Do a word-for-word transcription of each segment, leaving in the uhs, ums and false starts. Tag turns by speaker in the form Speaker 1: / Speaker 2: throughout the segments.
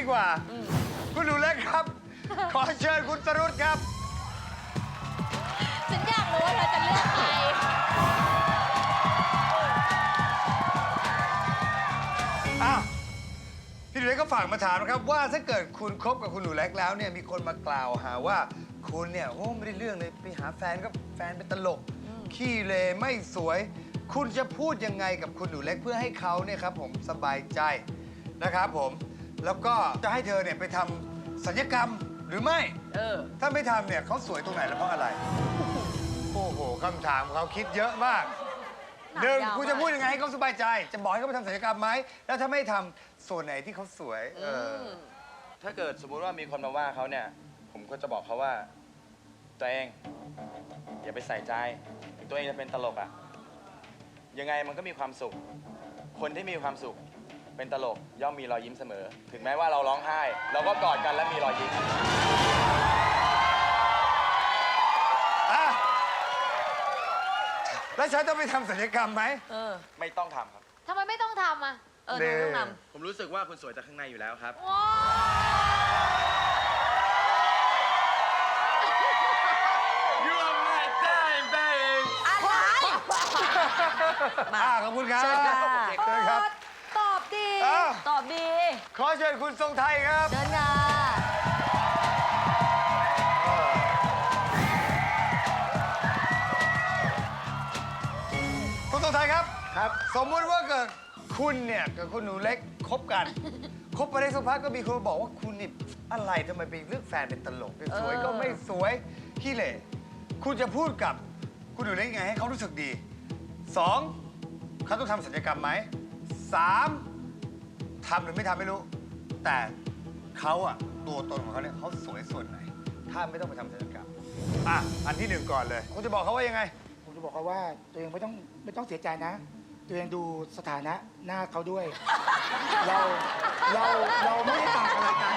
Speaker 1: ดีกว่าคุณหนูเล็กครับ ขอเชิญคุณสรุตครับ
Speaker 2: ฉันอยากรู้ว่าเธอจะเลือกใคร
Speaker 1: อ้าวพี่หนูเล็กก็ฝากมาถามนะครับว่าถ้าเกิดคุณคบกับคุณหนูเล็กแล้วเนี่ยมีคนมากล่าวหาว่าคุณเนี่ยโอ้ไม่ได้เรื่องเลยไปหาแฟนก็แฟนเป็นตลกขี้เลไม่สวย คุณจะพูดยังไงกับคุณหนูเล็กเพื่อให้เขาเนี่ยครับผมสบายใจนะครับผมแล้วก็จะให้เธอเนี่ยไปทำศัลยกรรมหรือไม่เออถ้าไม่ทำเนี่ยเขาสวยตรงไหนและเพราะอะไรโอ้โหคำถามเขาคิดเยอะมากหนึ่งคุณจะพูดยังไงให้เขาสบายใจจะบอกให้เขาไปทำศัลยกรรมไหมแล้วถ้าไม่ทำส่วนไหนที่เขาสวยเออ
Speaker 3: ถ้าเกิดสมมุติว่ามีคนมาว่าเขาเนี่ยผมก็จะบอกเขาว่าตัวเองอย่าไปใส่ใจตัวเองจะเป็นตลกอ่ะยังไงมันก็มีความสุขคนที่มีความสุขเป็นตลกย่อมมีรอยยิ้มเสมอถึงแม้ว่าเราร้องไห้เราก็กอดกันและมีรอยยิ้ม
Speaker 1: อ่ะแล้วฉันต้องไปทำศัลยกรรมไหม
Speaker 2: เออ
Speaker 3: ไม่ต้องทำครับ
Speaker 2: ทำไมไม่ต้องทำอ่ะเออไม่ต้องท
Speaker 3: ำผมรู้สึกว่าคุณสวยจากข้างในอยู่แล้วครับ
Speaker 1: อ่าขอบคุณครับเชิญครับ
Speaker 2: ตอบดีตอบดี
Speaker 1: ขอเชิญคุณทรงไทยครับ
Speaker 2: เชิญค่ะ
Speaker 1: คุณทรงไทยครับครับสมมุติว่าเกิดคุณเนี่ยกับคุณหนูเล็กคบกันคบไปได้สักพักก็มีคนบอกว่าคุณนี่อะไรทำไมไปเลือกแฟนเป็นตลกสวยก็ไม่สวยขี้เหร่คุณจะพูดกับคุณหนูเล็กยังไงให้เขารู้สึกดีสองเขาต้องทำศัลยกรรมไหมสามทำหรือไม่ทำไม่รู้แต่เขาอะตัวตนของเขาเนี่ยเขาสวยส่วนไหนถ้าไม่ต้องไปทำศัลยกรรมอ่ะอันที่หนึ่งก่อนเลยคุณจะบอกเขาว่ายังไง
Speaker 4: ผมจะบอกเขาว่าตัวเองไม่ต้องไม่ต้องเสียใจนะตัวเองดูสถานะหน้าเขาด้วย เราเราเราไม่ได้ต่างอะไรกัน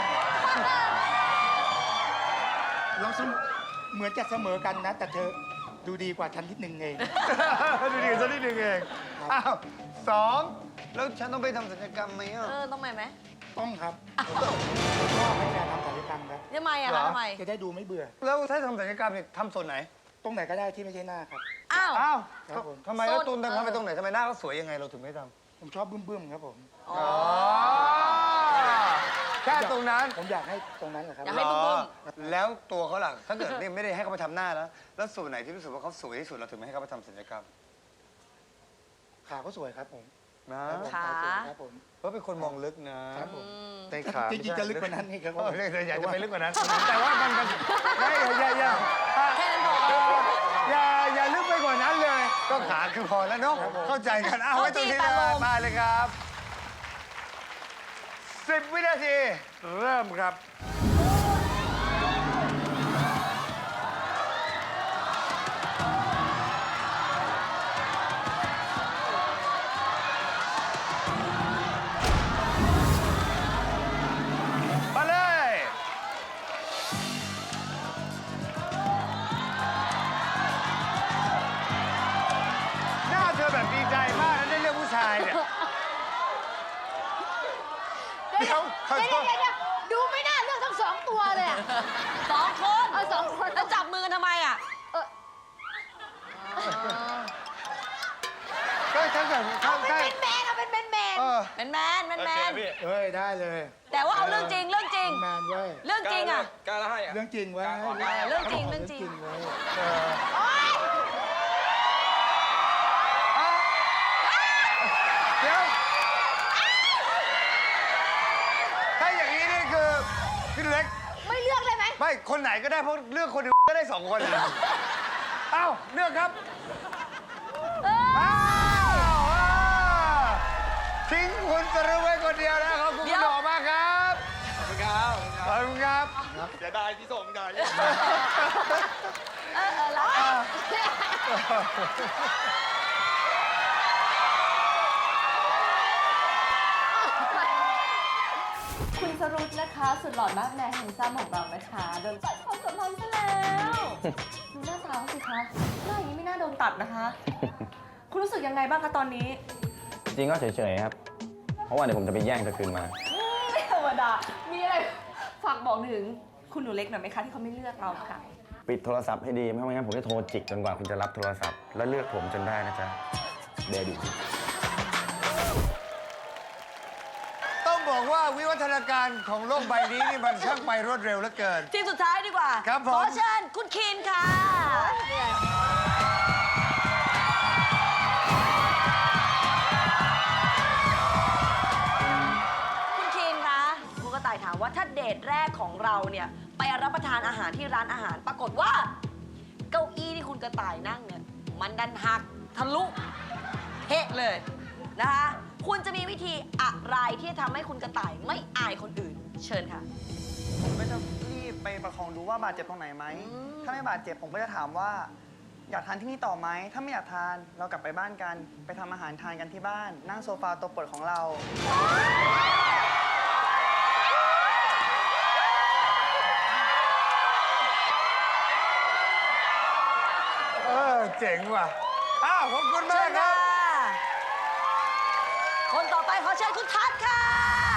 Speaker 4: เราเหมือนจะเสมอกันนะแต่เธอดูดีกว่าฉันนิดนึงเอง
Speaker 1: ดูดีกว่าฉันนิดนึงเองอ้าวสองแล้วฉันต้องไปทำศัลยกรรมไหมอ่ะ
Speaker 2: เออต้องไปไหม
Speaker 4: ต้องครับชอบให้แฟนทำศัลยกรรมครับ
Speaker 2: ทำไมอ่ะทำไม
Speaker 4: จะได้ดูไม่เบื่อ
Speaker 1: แล้วถ้าทำศัลยกรรมเนี่ยทำส่วนไหน
Speaker 4: ตรงไหนก็ได้ที่ไม่ใช่หน้าครับ
Speaker 2: อ้าว
Speaker 1: อ้าวทำไมแล้วตูนทำไปตรงไหนทำไมหน้าเขาสวยยังไงเราถึงไม่ท
Speaker 4: ำผมชอบบึ้มๆครับผม
Speaker 1: อ๋อแค่ตรงนั้น
Speaker 4: ผมอยากให้ตรงนั้นแหละครับ
Speaker 2: อยากให้บึ้ม
Speaker 1: ๆแล้วตัวเขาล่ะถ้าเกิดไม่ได้ให้เขาไปทำหน้าแล้วแล้วส่วนไหนที่รู้สึกว่าเขาสวยที่สุดเราถึงไม่ให้เขาไปทำศัลยกรรม
Speaker 4: ขาก็สวยครับผม
Speaker 1: นะ
Speaker 4: ขาครับผม
Speaker 1: เพราะเป็นคนมองลึกนะครับผม
Speaker 4: แต่ขาจริงๆจะลึกกว่านั้นนี่ครับ
Speaker 1: อยากจะไปลึกกว่านั้นแต่ว่ามันมันไม่อย่าอย่า
Speaker 2: แค่นั้นพอ
Speaker 1: อย่าอย่าลึกไปกว่านั้นเลยก็ขาคือพอแล้วเนาะเข้าใจกันเอาไว้ตรงนี้เลยมาเลยครับสิบวินาทีเริ่มครับมาเลยหน้าเธอแบบดีใจมากนะได้เรื่องผู้ชายเนี่ย
Speaker 2: เดี๋ยวเดี๋ยวเดี๋ยวดูไม่น่าเลือกทั้งสองตัวเลยสองคนเออสองคนแล้วจับมือทำไมอ่ะ
Speaker 1: ก็ถ้าเกิด
Speaker 2: เอาเป็นแมนเอาเป็นแมนแมนเป็นแมนแมนแมน
Speaker 4: เฮ้ยได้เลย
Speaker 2: แต่ว่าเอาเรื่องจริงเรื่องจริง
Speaker 4: แมนเว้ย
Speaker 2: เรื่องจริงอ่ะ
Speaker 3: กล้าให้
Speaker 4: เรื่องจริงเว้ย
Speaker 2: เรื่องจริงเรื่องจริง
Speaker 1: เดี๋ยวถ้าอย่างนี้นี่คือพี่เล็ก
Speaker 2: ไม่เลือกเลยไหม
Speaker 1: ไม่คนไหนก็ได้เพราะเลือกคนเดียวก็ได้สองคนเลยเอ้าเลือกครับอ้าวทิ้งคุณสรุปไว้คนเดียวนะขอบคุณคุณหล่อมากครับ
Speaker 3: ขอบคุณครับ
Speaker 1: ขอบคุณครับ
Speaker 3: เสียดายที่ส่งได้
Speaker 2: เออเออแล้ว
Speaker 5: คุณสรุปนะคะสุดหล่อมากแม่แห่งซ้ำของเรานะคะโดนตัดความสัมพันธ์ซะแล้วดูหน้าตาสิคะหน้าอย่างนี้ไม่น่าโดนตัดนะคะ คุณรู้สึกยังไงบ้างคะตอนนี้
Speaker 6: จริงก็เฉยๆครับเพราะว่าเดี๋ยวผมจะไปแย่งเธอคืนมา
Speaker 5: ไม่เหมือนดา มีอะไรฝากบอกถึงคุณหนูเล็กหน่อยไหมคะที่เขาไม่เลือกเราค่ะ
Speaker 3: ปิดโทรศัพท์ให้ดีไม่งั้นผมจะโทรจิกจนกว่าคุณจะรับโทรศัพท์แล้วเลือกผมจนได้นะจ๊ะเดบิว
Speaker 1: ต้องบอกว่าวิวัฒนาการของโลกใบนี้นี่มันช่างไปรวดเร็วเหลือเกิน
Speaker 2: ทีมสุดท้ายดีกว่า
Speaker 1: ครับผม
Speaker 2: ขอเชิญคุณคีนค่ะ คุณคีนคะคุณกระต่ายถามว่าถ้าเดทแรกของเราเนี่ยไปรับประทานอาหารที่ร้านอาหาร ปรากฏว่า เก้าอี้ที่คุณกระต่ายนั่งเนี่ยมันดันหักทะลุเฮะเลยนะคะ คุณจะมีวิธีอะไรที่จะทำให้คุณกระต่ายไม่อายคนอื่น เชิญค่ะ
Speaker 6: ผมก็จะรีบไปประคองดูว่าบาดเจ็บตรงไหนไหม
Speaker 2: อืม
Speaker 6: ถ้าไม่บาดเจ็บผมก็จะถามว่า อยากทานที่นี่ต่อไหม ถ้าไม่อยากทานเรากลับไปบ้านกัน ไปทำอาหารทานกันที่บ้าน นั่งโซฟาตัวโปรดของเรา
Speaker 1: เออเจ๋งว่ะ อ้าว ขอบคุณ
Speaker 2: เชิ
Speaker 1: มาก
Speaker 2: ญ
Speaker 1: ครั
Speaker 2: ค่ะ
Speaker 1: บ
Speaker 2: คนต่อไปขอเชิญคุณทัศน์ค่ะ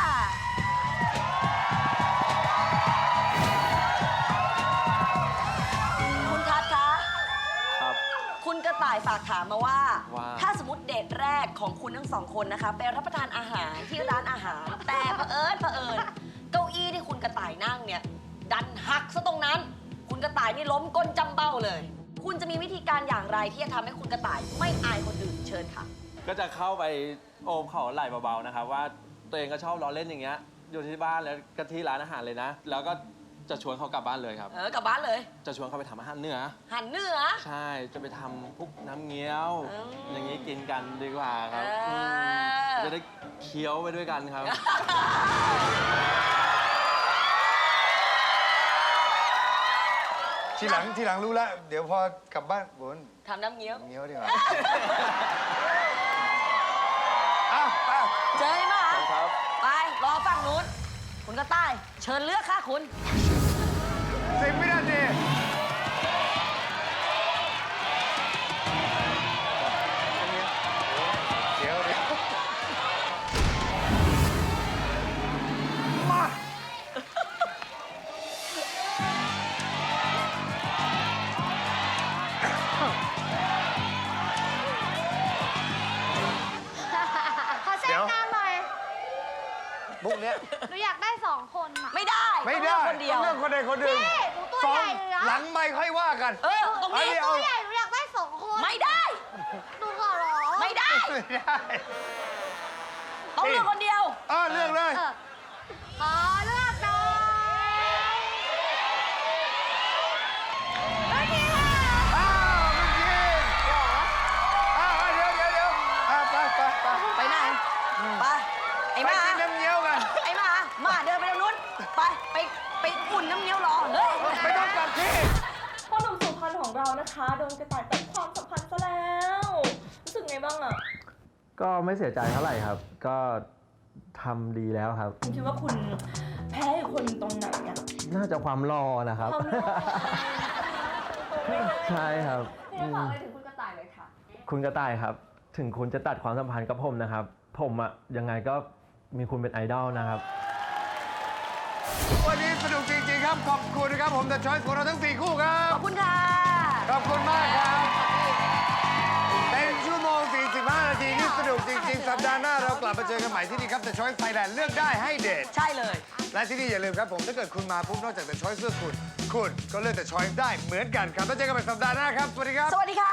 Speaker 2: คุณทัศน์คะ
Speaker 3: ครับ
Speaker 2: คุณกระต่ายฝากถามมาว่า
Speaker 3: ว่า
Speaker 2: ถ้าสมมติเดทแรกของคุณทั้งสองคนนะคะไปรับประทานอาหารที่ร้านอาหาร แต่เผอิญเผอิญเก้าอี้ที่คุณกระต่ายนั่งเนี่ยดันหักซะตรงนั้น คุณกระต่ายนี่ล้มก้นจำเบ้าเลย คุณจะมีวิธีการอย่างไรที่จะทำให้คุณกระต่ายไม่อายคนอื่นเชิญค่ะ
Speaker 7: ก็จะเข้าไปโอบเขาไหล่เบาๆนะครับว่าตัวเองก็ชอบล้อเล่นอย่างเงี้ยอยู่ที่บ้านแล้วก็ที่ร้านอาหารเลยนะ แล้วก็จะชวนเขากลับบ้านเลยครับ
Speaker 2: เออกลับบ้านเลย
Speaker 7: จะชวนเขาไปทำอาหารเหนือ
Speaker 2: หันเหนือ
Speaker 7: ใช่จะไปทำพวกน้ำเงี้ยว
Speaker 2: อืม
Speaker 7: อย่างงี้กินกันดีกว่าครับ
Speaker 2: เอออื
Speaker 7: มจะได้เคี้ยวไปด้วยกันครับ
Speaker 1: ทีหลังทีหลังรู้แล้ว เดี๋ยวพอกลับบ้านบน
Speaker 2: ทำน้ำเงี้ยว
Speaker 1: เงี้ยวดีกว่า อ้าวไป
Speaker 2: เจอไหม
Speaker 7: ครับ
Speaker 2: ไป รอฝั่งนู้น คุณกระต่าย เชิญเลือกค่ะคุณ
Speaker 1: สิบวินาทีเดี๋ยวเดี๋ยวมา
Speaker 8: ขอแทรกงานหน่อย
Speaker 1: บุกเนี้ย
Speaker 8: หนูอยากได้สองคนอะ
Speaker 2: ไม่ได้
Speaker 1: ไม่
Speaker 2: ต้อง
Speaker 1: ได้
Speaker 2: เลือกคนเดียว
Speaker 1: ต้องเลือกคนใดคนหนึ่ง
Speaker 8: พี่หนูตัว
Speaker 1: สอ
Speaker 8: ให
Speaker 1: ง
Speaker 8: ญ่เลยนะ
Speaker 1: หลังไม่ค่อยว่ากัน
Speaker 2: เออ ตรงนี้
Speaker 1: อันนี้
Speaker 8: ตัวใหญ่หนูอยากได้สองคน
Speaker 2: ไม่ได้
Speaker 8: หนูขอร้อง
Speaker 2: ไม่ได้
Speaker 1: ไม่ได้
Speaker 2: ต้องเลือกคนเดียว
Speaker 1: เออเลือกเลย
Speaker 8: เออขอเลือกหน่อยไม่มีค่ะ
Speaker 1: อ้าวเมื่อกี้อ้าวเดี๋ยวเดี๋ยวเดี๋ยวอ่าไปไปไป
Speaker 2: ไปไหน ไป ไอ้
Speaker 1: ไป
Speaker 2: หมา
Speaker 1: กินน้ำเงี้ยวกัน
Speaker 2: ไอ้หมาหมาเดินไปทางนู้น ไป ไป ไปอุ่นน้ำเงี้ยวรอ เฮ้ย
Speaker 1: ไม่ต้องกลับที่
Speaker 5: พ่อหนุ่มสุพรรณของเรานะคะโดนกระต่ายตัดความสัมพันธ์ซะแล้วรู้สึกไงบ้างอะ
Speaker 9: ก็ไม่เสียใจเท่าไหร่ครับ ก็ทำดีแล้วครับ
Speaker 5: คุณคิดว่าคุณแพ้อีกคนตรงไหนอะ
Speaker 9: น่าจะความรอนะครับ
Speaker 5: ความรัก
Speaker 9: ใช่ครับ
Speaker 5: พี่ฝากอะไรถึงคุณกระต่ายเลยค่ะ
Speaker 9: คุณกระต่ายครับ ถึงคุณจะตัดความสัมพันธ์กับผมนะครับ ผมอะยังไงก็มีคุณเป็นไอดอลนะครับ
Speaker 1: วันนี้สนุกจริงๆครับ ขอบคุณนะครับ ผม The Choice ของเราทั้งสี่คู่ครั
Speaker 2: ข
Speaker 1: บ
Speaker 2: อบคุณค่ะ
Speaker 1: ขอบคุณมากครับ เป็นชั่วโมง สี่สิบห้า นาทีที่สนุกจริงๆ สัปดาห์หน้าเรากลับมาเจอกันใหม่ที่นี่ครับ The Choice Thailand เลือกได้ให้เดท
Speaker 2: ใช่เลย
Speaker 1: และที่นี่อย่าลืมครับผม ถ้าเกิดคุณมาปุ๊บนอกจาก The Choice เลือกคุณ คุณก็เลือก The Choice ได้เหมือนกันครับแล้วเจอกันใหม่สัปดาห์หน้าครับ สวัสดีครับ
Speaker 2: สวัสดีค่ะ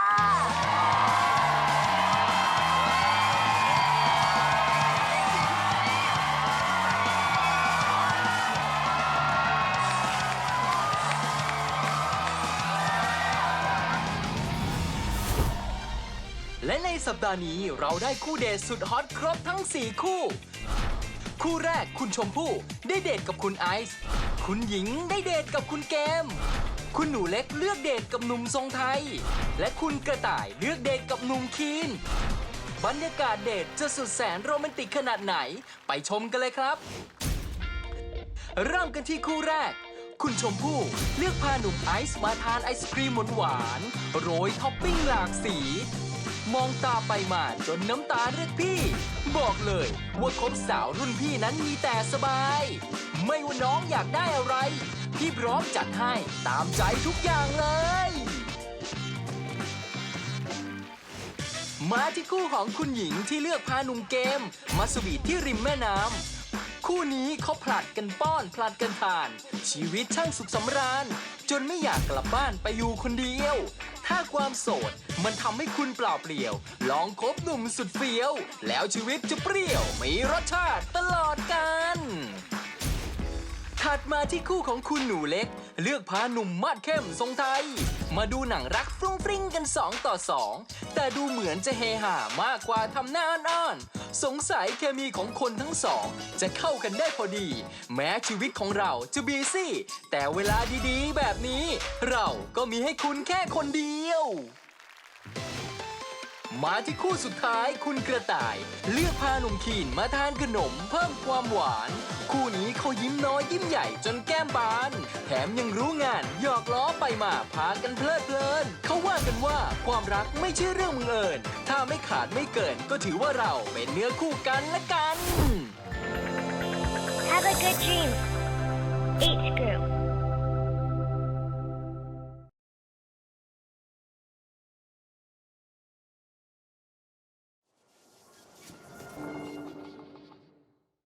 Speaker 10: และในสัปดาห์นี้เราได้คู่เดทสุดฮอตครบทั้ง สี่ คู่ คู่แรกคุณชมพู่ได้เดทกับคุณไอซ์ คุณหญิงได้เดทกับคุณเกม คุณหนูเล็กเลือกเดทกับหนุ่มทรงไทย และคุณกระต่ายเลือกเดทกับหนุ่มคีน บรรยากาศเดทจะสุดแสนโรแมนติกขนาดไหน ไปชมกันเลยครับ เริ่มกันที่คู่แรก คุณชมพู่เลือกพาหนุ่มไอซ์มาทานไอศครีมหวานๆโรยท็อปปิ้งหลากสีมองตาไปมาจนน้ำตาเรียกพี่ บอกเลยว่าคบสาวรุ่นพี่นั้นมีแต่สบาย ไม่ว่าน้องอยากได้อะไร พี่พร้อมจัดให้ตามใจทุกอย่างเลย มาที่คู่ของคุณหญิงที่เลือกพาหนุ่มเกมมาสวีทที่ริมแม่น้ำคู่นี้เขาผลัดกันป้อนผลัดกันทาน ชีวิตช่างสุขสำราญ จนไม่อยากกลับบ้านไปอยู่คนเดียว ถ้าความโสดมันทำให้คุณเปล่าเปลี่ยว ลองคบหนุ่มสุดเฟี้ยว แล้วชีวิตจะเปรี้ยวมีรสชาติตลอดกาลถัดมาที่คู่ของคุณหนูเล็ก เลือกพาหนุ่มมาดเข้มทรงไทย มาดูหนังรักฟรุ้งฟริ้งกันสองต่อสองแต่ดูเหมือนจะเฮฮามากกว่าทำหน้าอ้อนๆสงสัยเคมีของคนทั้งสองจะเข้ากันได้พอดี แม้ชีวิตของเราจะบีซี่ แต่เวลาดีๆแบบนี้ เราก็มีให้คุณแค่คนเดียว มาที่คู่สุดท้ายคุณกระต่าย เลือกพาหนุ่มขีนมาทานขนมเพิ่มความหวาน คู่นี้เขายิ้มน้อยยิ้มใหญ่จนแก้มบาน แถมยังรู้งานหยอกล้อไปมาพากันเพลิดเพลินเขาว่ากันว่าความรักไม่ใช่เรื่องบังเอิญถ้าไม่ขาดไม่เกินก็ถือว่าเราเป็นเนื้อคู่กันละกัน
Speaker 11: Have a good dream. H group.